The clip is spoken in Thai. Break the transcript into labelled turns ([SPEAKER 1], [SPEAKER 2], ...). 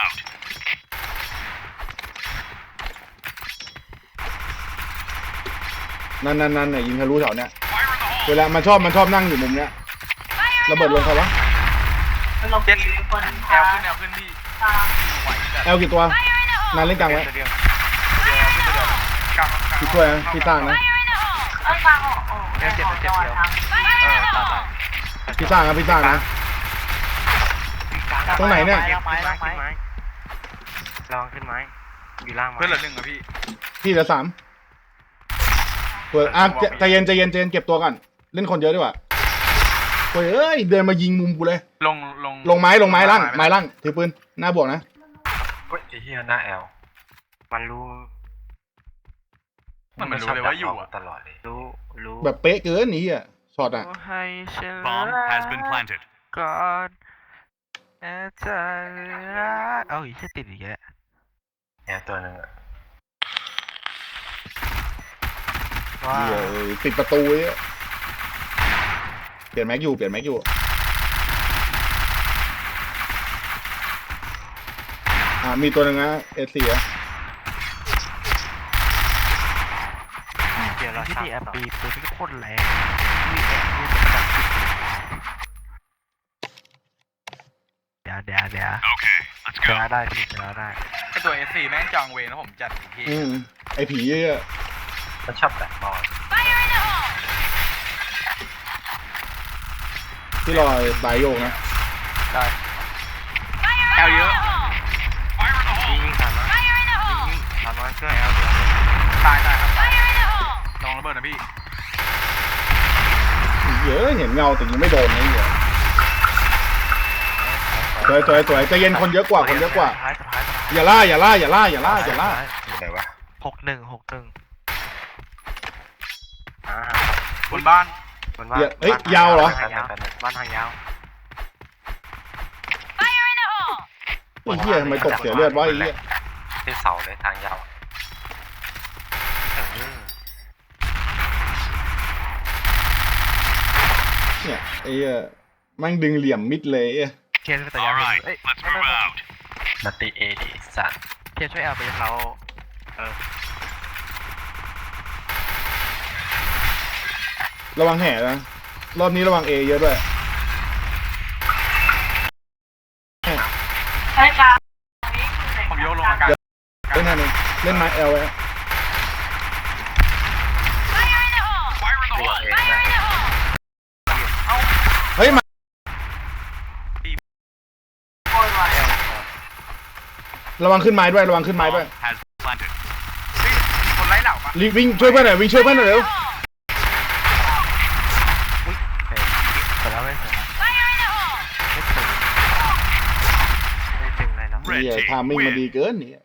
[SPEAKER 1] นั่นเนี่ยยิงทะลุแถวเนี้ยเวลามันชอบนั่งอยู่มุมเนี้ยระเบิดลงใครวะ
[SPEAKER 2] ลง
[SPEAKER 3] เจ็ด
[SPEAKER 2] คน
[SPEAKER 3] แอลขึ้นพี่ไหวจัด
[SPEAKER 1] แอลกี่ตัวนานเล่นกลางไว้
[SPEAKER 3] เดียวกลาง
[SPEAKER 1] พี่ช่วยนะพี่สร้างนะ
[SPEAKER 2] กลางออก
[SPEAKER 3] เจ็ดตาย
[SPEAKER 1] พี่สร้างนะพี่สร้างนะ ตรงไหนเนี่ย
[SPEAKER 3] ไม้ลองขึ้นไม้อยู่ล่างไม้เพื่อนเหลือหนึ่งอะพี่
[SPEAKER 1] พี่เหลือ3เปิดใจเย็นเก็บตัวก่อนเล่นคนเยอะดีกว่าเฮ้ยเดินมายิงมุมกูเลยลงไม้ล่างถือปืนหน้าบวกนะ
[SPEAKER 4] เฮ้ยไอ้เหี้ยหน้าแอล
[SPEAKER 3] มันรู้
[SPEAKER 4] มันรู้เลยว่าอยู่ตลอดเลย
[SPEAKER 3] รู้
[SPEAKER 1] แบบเป๊ะเกินนี่อ่ะช็อตอ่ะ
[SPEAKER 3] ให้ฉัน
[SPEAKER 5] Bomb has been planted.
[SPEAKER 3] ก่อนอาจารย์เอาอีกแค่ติดอีกแล้ว
[SPEAKER 4] แอลตัวหนึ่งอะ
[SPEAKER 3] ว้า
[SPEAKER 1] ปิดประตูเนี่ยเปลี่ยนแม็กอยู่มีตัวหนึ่งนะเอสสี่อะ
[SPEAKER 3] เดี๋ยวเราที่แอปปีตัวที่โคตรแรงมีแอบที่จะจับเดี๋ยว
[SPEAKER 5] Okay, let's
[SPEAKER 3] ช
[SPEAKER 5] go.
[SPEAKER 3] นะได้พี่ชนะได้
[SPEAKER 6] ไอตัว S4 แม่งจองเวรแล้วผมจัดอีกที
[SPEAKER 1] ไอผีเยอะ
[SPEAKER 4] มันชอบแบกบอล
[SPEAKER 1] ที่รอสายโยกนะ
[SPEAKER 3] ได้
[SPEAKER 6] แอลเยอะ
[SPEAKER 3] ยิงถามว่าถามว่าช่วยแอลเดียว
[SPEAKER 6] ตายครับตายลองระเบิดนะพี่
[SPEAKER 1] เยอะเห็นเงาแต่ยิงไม่โดนนี่เหรอสวยใจเย็นคนเยอะกว่าอย่าล่า
[SPEAKER 4] อยู่ไหนวะ
[SPEAKER 3] 61
[SPEAKER 6] บนบ้าน
[SPEAKER 1] ยาวเหรอ
[SPEAKER 3] บ้านทางยาว
[SPEAKER 1] ไอ้เหี้ยทำไมตกเสียเลือดวะไอ้เหี้ย
[SPEAKER 4] ที่เสาเลยทางยาว
[SPEAKER 1] เนี่ยไอ้เหี้ยแม่งดึงเหลี่ยมมิดเลยไอ้
[SPEAKER 3] เทียนแต่ยาว
[SPEAKER 5] All right,
[SPEAKER 3] เอ้ย
[SPEAKER 5] let's move out.
[SPEAKER 4] นาตีเอดีสัตว์
[SPEAKER 3] เทียนช่วยแอลไปเรา
[SPEAKER 1] ระวังแห่นะรอบนี้ระวังเอเยอะด้วย
[SPEAKER 2] ใช่กลาง
[SPEAKER 6] ผมโยกลงอากาศ
[SPEAKER 1] เล่นนั่นเองเล่นไม้เอลไว้
[SPEAKER 4] ตัวเองนะ
[SPEAKER 1] เฮ้ยมา
[SPEAKER 2] โคตรว่ะ
[SPEAKER 1] ระวังขึ้นไม้ด้วย
[SPEAKER 5] Bomb has been planted.
[SPEAKER 6] มีคนไล่เหล่าปะ
[SPEAKER 1] รีบวิ่งช่วยเพื่อนหน่อยเร็ว
[SPEAKER 3] เสร็จแล้วไม่เสร็จแล้วไม่ถึงอะไรหรอก
[SPEAKER 1] เหี้ย
[SPEAKER 5] Red
[SPEAKER 1] ทาม
[SPEAKER 5] team
[SPEAKER 1] มิ่งมา
[SPEAKER 5] win.
[SPEAKER 1] ดีเกินนี่